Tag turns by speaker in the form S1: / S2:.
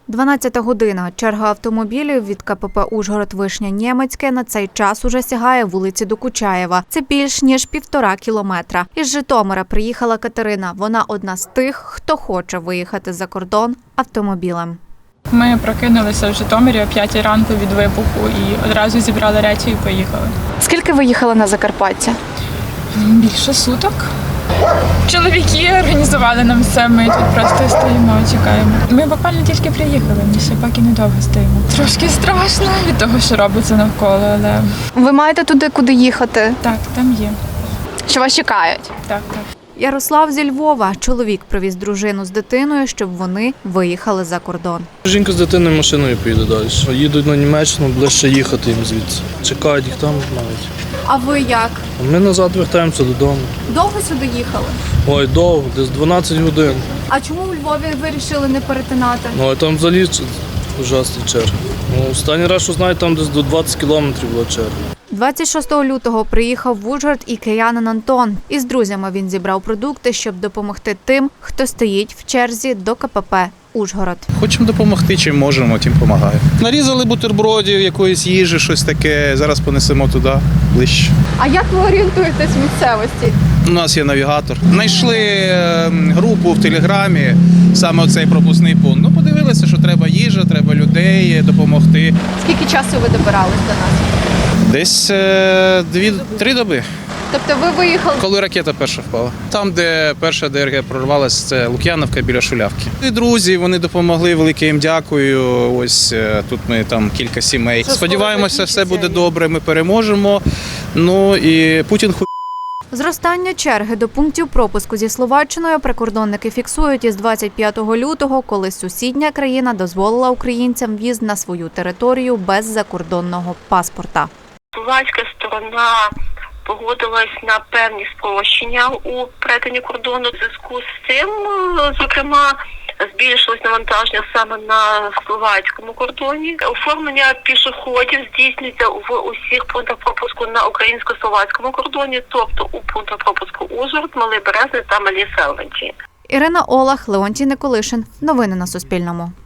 S1: 12 година. Черга автомобілів від КПП Ужгород-Вишня-Нємецьке на цей час уже сягає вулиці Докучаєва. Це більш ніж 1,5 кілометра. Із Житомира приїхала Катерина. Вона одна з тих, хто хоче виїхати за кордон автомобілем.
S2: Ми прокинулися в Житомирі о 5 ранку від вибуху і одразу зібрали речі і поїхали.
S1: Скільки ви їхали на Закарпаття?
S2: Більше суток. Чоловіки організували нам все, ми тут просто стоїмо, чекаємо. Ми буквально тільки приїхали, ми ще поки недовго стоїмо. Трошки страшно від того, що робиться навколо, але
S3: Ви маєте туди, куди їхати?
S2: так, там є.
S3: Що вас чекають?
S2: Так.
S1: Ярослав зі Львова. Чоловік привіз дружину з дитиною, щоб вони виїхали за кордон.
S4: Жінка з дитиною машиною поїде далі. Їдуть на Німеччину, ближче їхати їм звідси. Чекають їх там навіть.
S1: А ви як?
S4: А ми назад вертаємося додому.
S1: Довго сюди їхали?
S4: Ой, довго, десь 12 годин.
S1: А чому у Львові вирішили не перетинати?
S4: Ну, а там взагалі ужасні черги. Ну, останній раз, що знаю, там десь до 20 кілометрів була черга.
S1: 26 лютого приїхав в Ужгород і киянин Антон. Із друзями він зібрав продукти, щоб допомогти тим, хто стоїть в черзі до КПП Ужгород.
S5: Хочемо допомогти, чим можемо, тим допомагаємо. Нарізали бутербродів, якоїсь їжі, щось таке. Зараз понесемо туди, ближче.
S3: А як ви орієнтуєтесь в місцевості?
S5: У нас є навігатор. Знайшли групу в Телеграмі, саме оцей пропускний пункт. Ну, подивилися, що треба їжа, треба людей допомогти.
S3: Скільки часу ви добирались до нас?
S5: Десь 2-3 доби,
S3: Тобто ви виїхали?
S5: коли ракета перша впала. Там, де перша ДРГ прорвалась, це Лук'яновка біля Шулявки. І друзі, вони допомогли, велике їм дякую. Ось тут ми там кілька сімей. Сподіваємося, все буде добре, ми переможемо. Ну і Путін
S1: Зростання черги до пунктів пропуску зі Словаччиною прикордонники фіксують із 25 лютого, коли сусідня країна дозволила українцям в'їзд на свою територію без закордонного паспорта.
S6: Словацька сторона погодилась на певні спрощення у перетині кордону. В зв'язку з цим, зокрема, збільшилось навантаження саме на словацькому кордоні. Оформлення пішоходів здійснюється в усіх пунктах пропуску на українсько-словацькому кордоні, тобто у пунктах пропуску Ужгород, Малий Березний та Малі Селвенті.
S1: Ірина Олах, Леонтій Николишин. Новини на Суспільному.